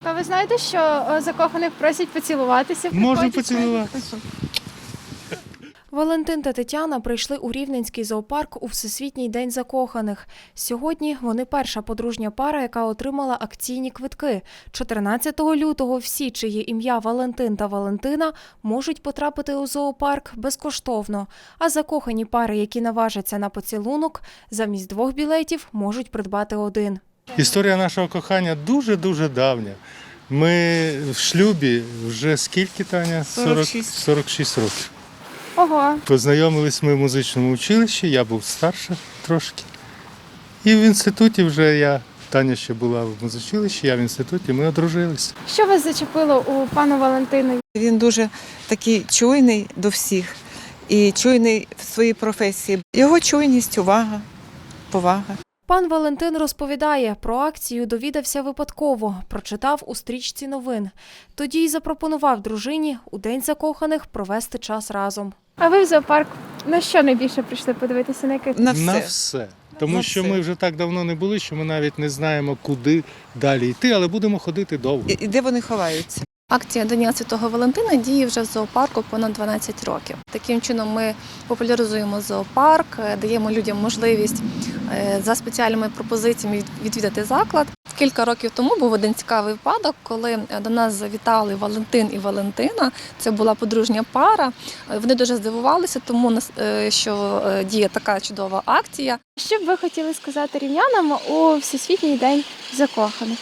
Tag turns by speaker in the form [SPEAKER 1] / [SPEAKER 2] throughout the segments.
[SPEAKER 1] А ви знаєте, що закоханих просять поцілуватися?
[SPEAKER 2] Можу поцілуватися.
[SPEAKER 3] Валентин та Тетяна прийшли у Рівненський зоопарк у Всесвітній день закоханих. Сьогодні вони перша подружня пара, яка отримала акційні квитки. 14 лютого всі, чиє ім'я Валентин та Валентина, можуть потрапити у зоопарк безкоштовно. А закохані пари, які наважаться на поцілунок, замість 2 білетів можуть придбати 1.
[SPEAKER 2] Історія нашого кохання дуже-дуже давня. Ми в шлюбі вже скільки, Таня? 46 років.
[SPEAKER 1] Ого.
[SPEAKER 2] Познайомились ми в музичному училищі, я був старше трошки. І в інституті вже Таня ще була в музичилищі, я в інституті, ми одружилися.
[SPEAKER 1] Що вас зачепило у пана Валентина?
[SPEAKER 4] Він дуже такий чуйний до всіх і чуйний в своїй професії. Його чуйність, увага, повага.
[SPEAKER 3] Пан Валентин розповідає, про акцію довідався випадково, прочитав у стрічці новин. Тоді й запропонував дружині у День закоханих провести час разом.
[SPEAKER 1] А ви в зоопарк на що найбільше прийшли подивитися? На яких?
[SPEAKER 4] На все.
[SPEAKER 2] На все. Тому
[SPEAKER 4] На
[SPEAKER 2] що
[SPEAKER 4] все.
[SPEAKER 2] ми вже так давно не були, що ми навіть не знаємо, куди далі йти, але будемо ходити довго.
[SPEAKER 4] І де вони ховаються?
[SPEAKER 5] Акція до Дня Святого Валентина діє вже в зоопарку понад 12 років. Таким чином ми популяризуємо зоопарк, даємо людям можливість за спеціальними пропозиціями відвідати заклад. Кілька років тому був один цікавий випадок, коли до нас завітали Валентин і Валентина. Це була подружня пара. Вони дуже здивувалися, тому що діє така чудова акція.
[SPEAKER 1] Що б ви хотіли сказати рівнянам у Всесвітній день закоханих?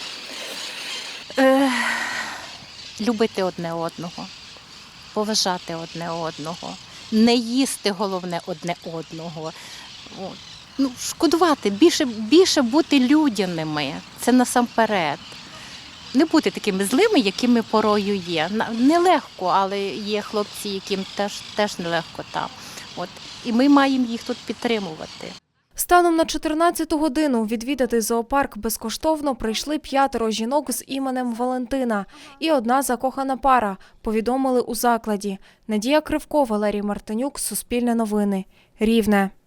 [SPEAKER 6] Любити одне одного, поважати одне одного, не їсти, головне, одне одного. От. Шкодувати, більше бути людяними, це насамперед. Не бути такими злими, якими порою є. Нелегко, але є хлопці, яким теж нелегко там. От. І ми маємо їх тут підтримувати.
[SPEAKER 3] Станом на 14-ту годину відвідати зоопарк безкоштовно прийшли 5 жінок з іменем Валентина і 1 закохана пара, повідомили у закладі. Надія Кривко, Валерій Мартинюк, Суспільне новини, Рівне.